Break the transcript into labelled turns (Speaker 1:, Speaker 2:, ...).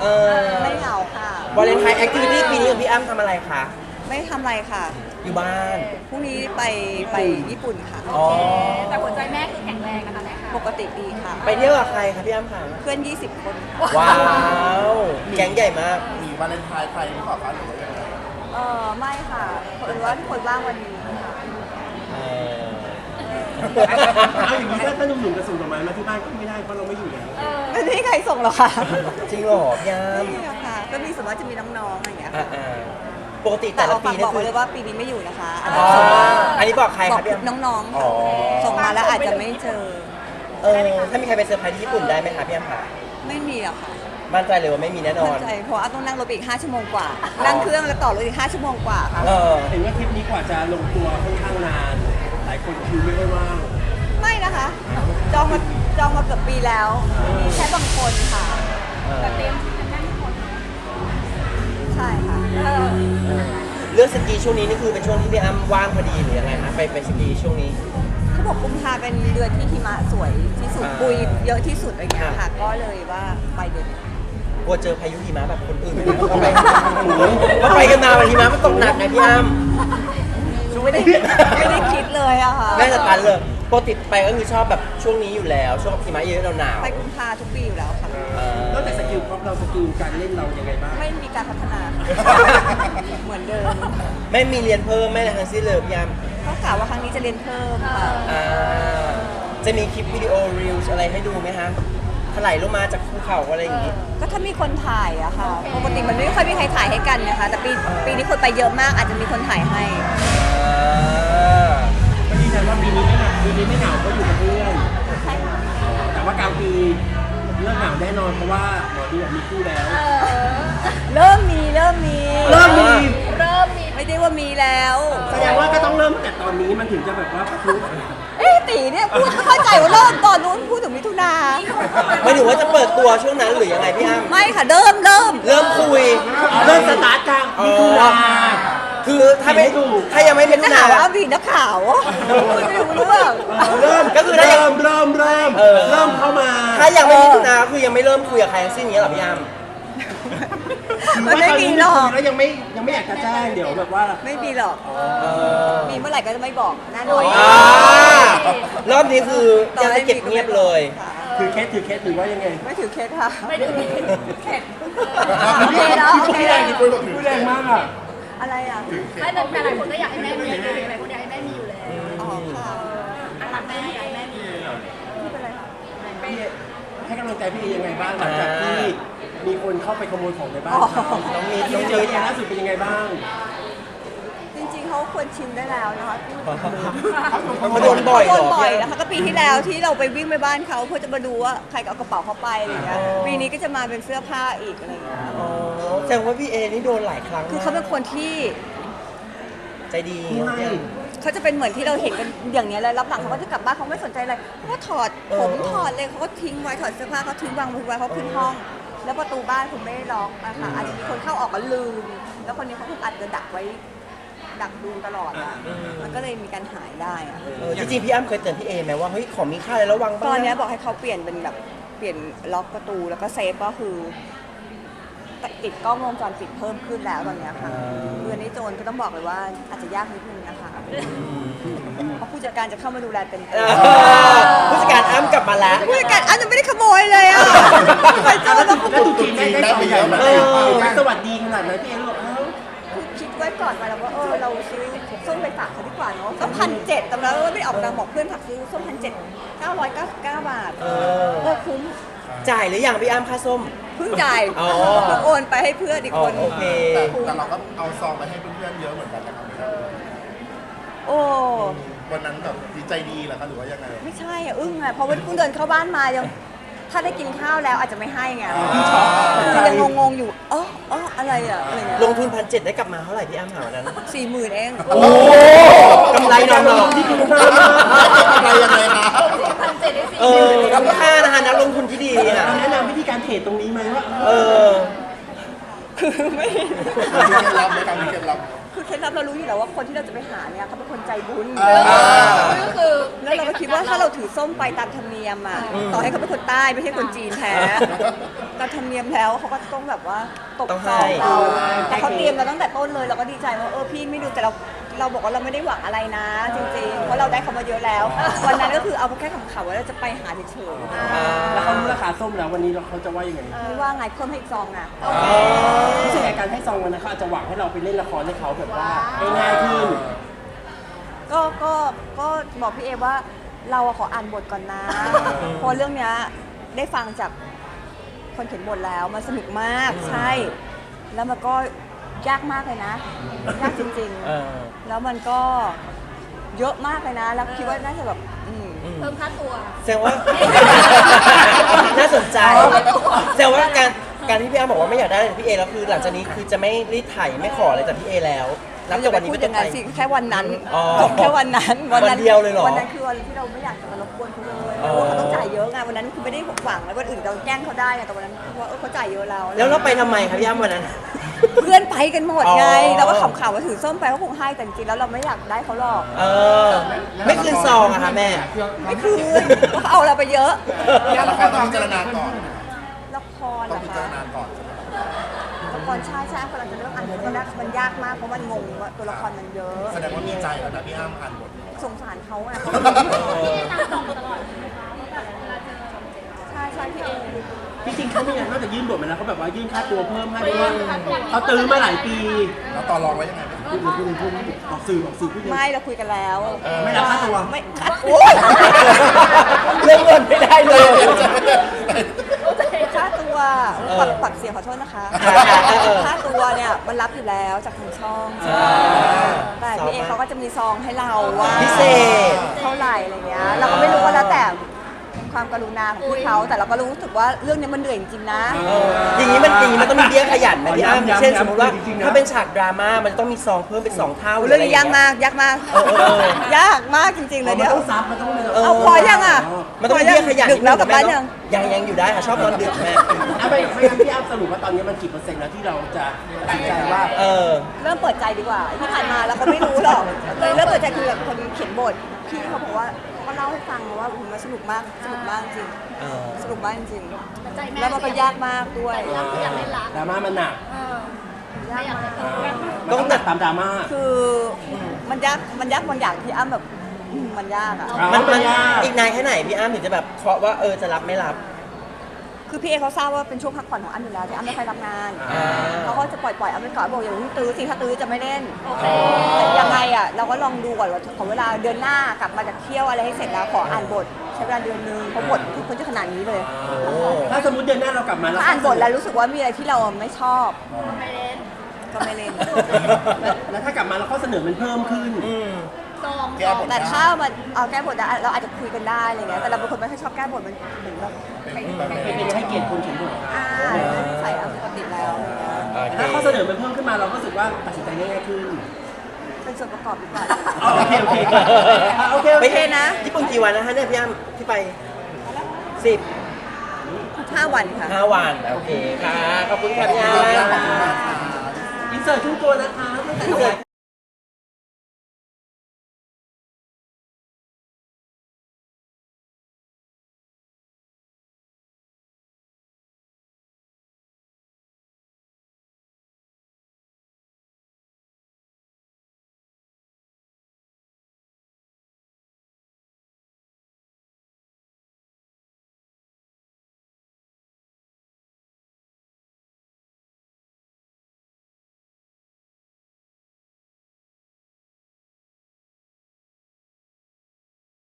Speaker 1: เออ
Speaker 2: ไม่เหงาค่ะ
Speaker 1: วาเลนไทน์แอคทิวิตี้ปีนี้ของพี่อ้ำทำอะไรคะ
Speaker 2: ไม่ทำอะไรค่ะ
Speaker 1: อยู่บ้าน
Speaker 2: พรุ่งนี้ไปญี่ปุ่นค่ะ
Speaker 1: อ๋อ
Speaker 3: แต่หัวใจแม่คือแข็งแรงนะคะแม่ค่ะ
Speaker 2: ปกติดีค่ะ
Speaker 1: ไปเที่ยวกับใครคะพี่อ้ำคะ
Speaker 2: เพื่อน 20 คนค่ะ
Speaker 1: ว้าวแก๊งใหญ่มาก
Speaker 4: มีวาเลนไทน์ไทยหรือเปล่าคะหรือว่ายังไง
Speaker 2: ไม่ค่ะเพราะว่าทุกคนว่างวันนี้ค่ะ
Speaker 1: เออ
Speaker 5: เอาอย่างนี้ถ้าหนุ่มๆจะส่งดอกไม้มาที่บ้านก็ไม่ได้เพราะเราไม่อยู่แล้ว
Speaker 2: ไม่มีใครส่งหรอกค่ะ
Speaker 1: จริงเหรอพี่อ้
Speaker 2: ไม่มีหรอกค่ะ ก็มีสมมติว่าจะมีน้องๆอะไรอย่างเงี้ย
Speaker 1: ำ
Speaker 2: ค่ะ
Speaker 1: ปกติ
Speaker 2: แต่
Speaker 1: แต่ละ
Speaker 2: เอา
Speaker 1: ปี
Speaker 2: ฝาก
Speaker 1: นี่
Speaker 2: บอก
Speaker 1: คื
Speaker 2: ไว้
Speaker 1: อ
Speaker 2: เลยว่าปีนี้ไม่อยู่นะคะ
Speaker 1: อ๋ออันนี้บอกใคร
Speaker 2: บอ
Speaker 1: คะ
Speaker 2: ก
Speaker 1: พี่อ้ำ
Speaker 2: น้องๆ
Speaker 1: อ๋
Speaker 2: ค่ะ
Speaker 1: อ
Speaker 2: ส่งมาแล้วอาจจะไม่เจอ
Speaker 1: ถ้ามีใครไปเซอร์ไพรส์ที่ญี่ปุ่นได้ไหมคะพี่อ้ำคะ
Speaker 2: ไม่มีหรอกค่ะ
Speaker 1: มั่นใจเลยว่าไม่มีแน่นอ
Speaker 2: มั่
Speaker 1: น
Speaker 2: นใจเพราะว่าต้องนั่งรถไปอีก5 ชั่วโมงกว่า นั่งเครื่องแล้วต่อรถอีก5 ชั่วโมงกว่าค่ะ
Speaker 1: เออ
Speaker 5: เห็นว่าทริปนี้กว่าจะลงตัวค่อนข้างนาน หลายคนคิวไม่ค่อยว่าง
Speaker 2: ไม่นะคะ จองมาเกือบปีแล้ว มีแค่บางคนค่ะ
Speaker 3: แต่เตรียมกันแน่นทุกคน
Speaker 2: ใช่ค่ะ
Speaker 1: เรื่องสกีช่วงนี้นี่คือเป็นช่วงที่พี่อ้ำว่างพอดีหรือยังไงคะไปสกีช่วงนี้
Speaker 2: เขาบอกกุมภาเป็นเดือนที่หิมะสวยที่สุด
Speaker 1: อ่า
Speaker 2: ปุยเยอะที่สุดอะไรเงี้ย
Speaker 1: ครั
Speaker 2: ค่ะ
Speaker 1: บ
Speaker 2: ก็เลยว่าไปเดือนนี้
Speaker 1: กลัวเจอพายุหิมะแบบคนอื่นเขาไปกันมาวันหิมะมันตกหนักไงพี่อ้ำ
Speaker 2: ไม่ได้คิดเลยอะค่ะ
Speaker 1: แม่สตันเลยปกติไปก็คือชอบแบบช่วงนี้อยู่แล้ว ช่วงหิมะเยอะหนาว
Speaker 2: ไปกุมภาทุกปีอยู่แล้วค่ะ
Speaker 5: นอกจากสกิลพร็อพเราสกิลการเล่นเรายังไงบ้าง
Speaker 2: ไม่มีการพัฒนา เหมือนเดิม
Speaker 1: ไม่มีเรียนเพิ่มไม่อะไรทั้งสิ้นเลยพี่อ้ำ
Speaker 2: ก็กล่าวว่าครั้งนี้จะเรียนเพิ่มค่ะ
Speaker 1: จะมีคลิปวิดีโอรีลอะไรให้ดูไหมฮะถลายลงมาจากภูเขาอะไรอย่างงี้
Speaker 2: ก็ถ้ามีคนถ่ายอะค่ะ ปกติมันไม่ค่อยมีใครถ่ายให้กันนะคะ แต่ปีนี้คนไปเยอะมากอาจจะมีคนถ่ายให้
Speaker 5: ก็ยืนยันว่าปีนี้ไม่เหงาปีนี้ไม่เหงาก็อยู่กับเพื่อน
Speaker 2: ใช่ค่ะ
Speaker 5: แต่ว่ากลางปีเรื่องเหงาแน่นอนเพราะว่าหมอดูบอกมีคู่แล้ว
Speaker 2: เริ่มมี
Speaker 5: เริ่มมี
Speaker 3: เริ่มมี
Speaker 2: ไม่ได้ว่ามีแล้ว
Speaker 5: แสดงว่าก็ต้องเริ่มตั้งแต่ตอนนี้มันถึงจะแบบว่ารู้
Speaker 2: ตีเนี่ยพูดไม่เข้าใจว่าเริ่มตอนนู้นพูดถึงมิถุนา
Speaker 1: ไม่ถึงว่าจะเปิดตัวช่วงนั้นหรือยังไงพี่อ้ำ
Speaker 2: ไม่ค่ะเริ่ม
Speaker 1: เริ่มคุย
Speaker 5: เริ่มสตาร์ทกลางมิถุนา
Speaker 1: คือถ้าไม่ถ้ายังไม่เป็น
Speaker 2: นัก
Speaker 1: หนา
Speaker 2: ข่าวว่ามีนักข่าวไม่รู้เรื่อง
Speaker 5: เริ่ม
Speaker 1: ก็คือถ้ายัง
Speaker 5: เริ่มเข้ามา
Speaker 1: ถ้ายังไม่มิถุนาคือยังไม่เริ่มคุยกับใครทั้งสิ้นอย่างเงี้ยเหรอพี่อ้ำ
Speaker 2: มันไม่มีหรอก
Speaker 5: แล้วยังไม่อยากจะแจ้งเดี๋ยวแบบว่า
Speaker 2: ไม่มีหรอก มีเมื่อไหร่ก็จะไม่บอกแน่นอน
Speaker 1: รอบนี้คือยังจะเก็บเงียบเลย
Speaker 2: ค่ะ
Speaker 5: ถือเคสหรือว่ายังไง
Speaker 2: ไม่ถือเคสค่ะ
Speaker 3: ไม่ถึงเข็ด
Speaker 2: โอเคเนาะโอเค
Speaker 5: พูดแรงมากอ่ะ
Speaker 2: อะไรอ่ะ
Speaker 3: ไม่แต่หลายคนก็อยากให้แม่มีไงหลายคนอยากให้แม่มีอยู่แล้ว
Speaker 2: อ๋อค่ะ
Speaker 3: รักแม่อยากให้แม่มี
Speaker 2: ไม่เป็นไรค่ะ
Speaker 5: ให้กำลังใจพี่เอยังไงบ้างหลังจากที่มีคนเข้าไปขโมยของในบ้าน
Speaker 2: อ๋อ
Speaker 5: เขา
Speaker 1: น้องมี
Speaker 5: ที่เจอล่าสุดเป็นยังไงบ้าง
Speaker 2: จริงๆเขาควรชิมได้แล้วนะคะ
Speaker 1: เขาโดนบ่อยเหร
Speaker 2: โด
Speaker 1: อน
Speaker 2: บ่อย
Speaker 1: พี่
Speaker 2: นะคะก็ปีที่แล้วที่เราไปวิ่งไปบ้านเขาเพื่อจะมาดูว่าใครเอากระเป๋าเขาไปอะไรอย่างเงี้ยปีนี้ก็จะมาเป็นเสื้อผ้าอีกอะไรอย่างเงี้ย
Speaker 1: อ๋อแสดงว่าพี่เอนี่โดนหลายครั้ง
Speaker 2: คือเขาเป็นคนที่
Speaker 1: ใจดี
Speaker 5: ไม่
Speaker 2: เขาจะเป็นเหมือนที่เราเห็นกันอย่างเนี้ยแล้วรับหลังเขาก็จะกลับบ้านเขาไม่สนใจอะไรเขาก็ถอดผมถอดเลยเขาก็ทิ้งไว้ถอดเสื้อผ้าเขาทิ้งวางไว้เขาขึ้นห้อง แล้วประตูบ้านคุณไม่ได้ล็อกนะคะอาจจะมีคนเข้าออกก็ลืม แล้วคนนี้เขาคงอาจจะดักไว้ดักดูตลอดอ่ะมันก็เลยมีการหายได้อะ
Speaker 1: จริงๆพี่อ้ำเคยเตือนพี่เอไหมว่าเฮ้ยของมีค่าอะไรระวังบ้าง
Speaker 2: ตอนเนี้ยบอกให้เขาเปลี่ยนเป็นแบบเปลี่ยนล็อกประตูแล้วก็เซฟก็คือติดกล้องวงจรปิดเพิ่มขึ้นแล้วตอนเนี้ยค่ะเรือนนี้โจรก็ต้องบอกเลยว่าอาจจะยากนิดนึงนะคะเพราะผู้จัดการจะเข้ามาดูแลเต็ม
Speaker 1: ผู้จัดการอ้ำกลับมาแล้ว
Speaker 2: ผู้จัดการอันยังไม่ได้ขโมยเลยอ่ะไปโจรต้อง
Speaker 5: แล้วตุ๊กจีนได้ของใหญ่มาสวัสดีขนาดนั้นพี่เอรู้เอ้า
Speaker 2: คือคิดไว้ก่อนมาแล้วว่าเราซื้อส้มไปฝากเขาดีกว่าเนาะส้ม1,700ตำแล้วไม่ได้ออกตังค์บอกเพื่อนฝากซื้อส้ม1,700 999 บาทคุ้ม
Speaker 1: จ่ายหรือยังพี่อ้ำค่าส้ม
Speaker 2: เพิ่งจ่าย
Speaker 1: อ๋อ
Speaker 2: เพิ่งโอนไปให้เพื่อนอีกคน
Speaker 1: โอเค
Speaker 4: แต่เราก็เอาซองไปให้เพื่อนๆเยอะเหมือนกันนะครับ
Speaker 2: โอ้
Speaker 4: วันนั้นแบบดีใจดีเหรอคะหรือว่ายังไง
Speaker 2: ไม่ใช่อ่ะอึ้งอ่ะเพราะว่าเพิ่งเดินเข้าบ้านมายังถ้าได้กินข้าวแล้วอาจจะไม่ให้ไงคือยังงงๆอยู่อะไรอ่ะอะไรเงี้ย
Speaker 1: ลงทุน1,700ได้กลับมาเท่าไหร่พี่อ้ำหาวันนั้น
Speaker 2: 40,000เอง
Speaker 1: โอ้กำไรนอนหลอก
Speaker 5: ที่คุณค่า
Speaker 4: อะไรยังไงคะ
Speaker 3: 1,700ได้สิ
Speaker 1: คุ้มค่านะคะนักลงทุนที่ดีอ่ะ
Speaker 5: แนะนำวิธีการเทรดตรงนี้ไหมว่า
Speaker 2: คือไม่
Speaker 4: มีเคล็ดลับไหมครับมีเคล็ดลับ
Speaker 2: คือเคล็ดลับเรารู้อยู่แล้วว่าคนที่เราจะไปหาเนี่ยเขาเป็นคนใจบุญ
Speaker 4: อ่า
Speaker 3: ก็คือ
Speaker 2: แล้วเราก็คิดว่าถ้าเราถถือส้มไปตามธรรมเนียมอ่ะต่อให้เขาเป็นคนใต้ไม่ใช่คนจีนแท้ตามธรรมเนียมแล้วเขาก็ต้องแบบว่าตก
Speaker 1: ต้อง
Speaker 2: ซ
Speaker 1: ให้
Speaker 2: องเราแต่เขาเตรียมมาตั้งแต่ต้นเลยเราก็ดีใจว่าพี่ไม่ดูแต่เราบอกว่าเราไม่ได้หวังอะไรนะ จริงๆเพราะเราได้เขามาเยอะแล้ว วันนั้นก็คือเอาแค่ขำๆว่าเราจะไปหาเฉย
Speaker 5: แล้วเขารู้ราคาส้มแล้ววันนี้เขาจะว่ายังไง
Speaker 2: ๆไม่ว่าไงเพิ่มให้อีกซองนะ
Speaker 5: รู้สึกไงการให้ซองวันนั้นเขาอาจจะหวังให้เราไปเล่นละครให้เขาแบบว่าง่ายๆขึ้น
Speaker 2: ก็บอกพี่เอว่าเราอะขออ่านบทก่อนนะเพราะเรื่องเนี้ยได้ฟังจากคนเขียนบทแล้วมันสนุกมากใช่ แล้วมันก็ยากมากเลยนะ ยากจริง
Speaker 1: เออ
Speaker 2: ๆ แล้วมันก็เยอะมากเลยนะ แล้วคิดว่าน่าจะแบบ
Speaker 3: เพิ่มค่าตัว
Speaker 1: แสดงว่า น่าสนใจแสดงว่าการที่พี่อ้ำบอกว่าไม่อยากได้อะไรจากพี่เอแล้วคือหลังจากนี้คือจะไม่รีดไถไม่ขออะไรจากพี่เอแล้วนับจากวันนี้
Speaker 2: พู
Speaker 1: เป็
Speaker 2: ด
Speaker 1: น
Speaker 2: อ
Speaker 1: ต้
Speaker 2: ย่าน ง
Speaker 1: ไป
Speaker 2: นั้นสิแค่วันนั้น
Speaker 1: อ๋อ
Speaker 2: จบแค่วันนั้น
Speaker 1: วันเดียวเลยเหรอ
Speaker 2: วันนั้นคือวันที่เราไม่อยากจะมารบกวนเขาเลย
Speaker 1: อ๋อ
Speaker 2: เพราะว่าเขาต้องจ่ายเยอะไงวันนั้นคือไม่ได้หวังแล้ววันอื่นเราแกล้งเขาได้ไงแต่วันนั้นคือว่าเขาจ่ายเยอะแล้ว
Speaker 1: แล้วเราไปทำไมครับพี่อ้ำวันนั้น
Speaker 2: เพื่อนไปกันหมดไง
Speaker 1: อ๋อ
Speaker 2: เราก็ขำๆว่าถือส้มไปเขาคงให้แต่จริงๆแล้วเราไม่อยากได้เขาหรอก
Speaker 1: เออ ไม่คืนซองอะค่ะแม่
Speaker 2: ไม่คืนเพราะเขาเอาเราไปเยอะ
Speaker 4: แล้วละครต้องพิจารณาก่อน
Speaker 2: ละคร
Speaker 4: ต้
Speaker 2: เห
Speaker 4: อ
Speaker 2: รง อ
Speaker 4: พิจาร
Speaker 2: คะ
Speaker 4: ณาก่อน
Speaker 2: ละครใช่กำลังจะเริ่มอ่านบทมันยากมากเพราะมันงงว่าตัวละครมันเยอะ
Speaker 4: แสดงว่ามีใจแล้วนะพี่อ้ำอ่านบท
Speaker 2: สงสารเขาอะ
Speaker 3: ตามบอกตลอด
Speaker 2: ใช่พี่เอง
Speaker 5: จริงๆเขาไม่อยากนอกจากยื่นบทมาแล้วเขาแบบว่ายื่นค่าตัวเพิ่มให้เพราะว่าเขาตื้อมาหลายปี
Speaker 4: แล้วต่อรองไว้ยังไงไหม
Speaker 5: พูดออกสื่อพูดยัง
Speaker 2: ไม่เราคุยกันแล้ว
Speaker 5: ไม่รับค่าตัว
Speaker 2: ไม่คัดโอ้ย
Speaker 1: เรื่องเงินไม่ได้เลย
Speaker 2: ค่าตัวปักเสียงขอโทษนะคะ
Speaker 1: เออ
Speaker 2: ค่าตัวเนี่ยมันรับอยู่แล้วจากทางช่องแต่พี่เอเขาก็จะมีซองให้เราว่า
Speaker 1: พิเศษ
Speaker 2: เท่าไหร่อะไรเงี้ยเราก็ไม่รู้ว่าแล้วแต่ความกรุณาของพี่เขาแต่เราก็รู้สึกว่าเรื่องนี้มันเหนื่อยจริงๆนะ
Speaker 1: อย่างนี้มันต้องมีเบี้ยขยันไหมพี่อ้ำ
Speaker 5: ย้ำ
Speaker 1: เช่นสมมติว่า
Speaker 5: จริงๆนะ
Speaker 1: ถ้าเป็นฉากดราม่ามันต้องมีซองเพิ่มเป็น2 เท่า
Speaker 2: เรื่องนี้ยาก
Speaker 1: ห
Speaker 2: มากยากมาก ยากมากจริงๆเลย
Speaker 5: มัน
Speaker 2: เดี๋ยว
Speaker 5: ต้องซับมันต้องเลย
Speaker 2: เอาพอยังอ่ะ
Speaker 1: มันต้องมีเบี้ยขยัน
Speaker 2: ดึกแล้วกลับบ้านยัง
Speaker 1: ยังอยู่ได้ค่ะชอบนอนดึกแม่
Speaker 5: ไม่งั้นพี่อ้ำสรุปว่าตอนนี้มันกี่เปอร์เซ็นต์แล้วที่เราจะตัดสินใจว่า
Speaker 1: เออ
Speaker 2: เริ่มเปิดใจดีกว่าที่ผ่านมาเราก็ไม่รู้หรอกเลยเริ่มเปิดใจคือแบบคนเขียนบทพี่เขาบอกว่าเขาก็เล่าให้ฟังว่ามันสนุกมากจริง
Speaker 1: เออ
Speaker 2: สนุกมากจริง
Speaker 3: แต่ใจแม่
Speaker 2: แล้วมันก็ยากมากด้วย
Speaker 3: รักก็อยากเล่นรัก
Speaker 5: ดราม่ามันหนัก
Speaker 3: ไม่อยากเล่นรัก
Speaker 5: มันต้องหนักตามดราม่า
Speaker 2: คือมันยากบางอย่างที่อ้ำแบบมันยากอ่ะ
Speaker 1: มัน
Speaker 5: ยาก
Speaker 1: อีกนานแค่ไหนพี่อ้ำถึงจะแบบเคาะว่าจะรับไม่รับ
Speaker 2: คือพี่เอเขาทราบว่าเป็นช่วงพักผ่อนของอ้ำอยู่แล้วที่อ้ำไม่ค่อยรับงาน
Speaker 1: อ่า
Speaker 2: เขาก็จะปล่อยอ้ำไปก่อนบอกอย่าเพิ่งตื้อสิถ้าตื้อจะไม่เล่น
Speaker 3: โอเค
Speaker 2: แต่ยังไงอ่ะเราก็ลองดูก่อนว่าขอเวลาเดือนหน้ากลับมาจากเที่ยวอะไรให้เสร็จแล้วขออ่านบทใช้เวลาเดือนนึงเพราะบทคือคนจะขนาดนี้เลย
Speaker 1: โอ้
Speaker 5: ถ้าสมมติเดือนหน้าเรากลับมาแล้ว
Speaker 2: ถ้าอ่านบทแล้วรู้สึกว่ามีอะไรที่เราไม่ชอบ
Speaker 3: ไม่เล่น
Speaker 2: ก็ไม่เล่น
Speaker 5: แล้วถ้ากลับมาแล้วข้อเสนอมันเพิ่มขึ้น
Speaker 1: อืม
Speaker 3: ซอง
Speaker 4: แก้บท
Speaker 2: แต่ถ้ามันเอาแก้บทได้เราอาจจะคุยกันได้อะไรเงี้ยแต่เราเป็นคนไม่ค่อยชอบแก้บทมันเหมือนแบบ
Speaker 5: เป็นให้เกียรติคนเขียนบท
Speaker 2: ใส่เอาปกติแล้วอะไรเงี้ย
Speaker 5: ถ้าข้อเสนอมันเพิ่มขึ้นมาเราก็รู้สึกว่าตัดสินใจง่ายขึ้น
Speaker 2: เป็นส่วนประกอบดีกว่า
Speaker 5: โอเคโอเค
Speaker 1: ไป
Speaker 2: นะ
Speaker 1: ญี่ปุ่นกี่วันนะคะเนี่ยพี่อ้ำที่ไป10
Speaker 2: 5 วันค่ะ
Speaker 1: 5 วันโอเคค่ะขอบคุณค่ะพี่อ้ำ
Speaker 5: อินเสิร์ตทุกตัวนะคะ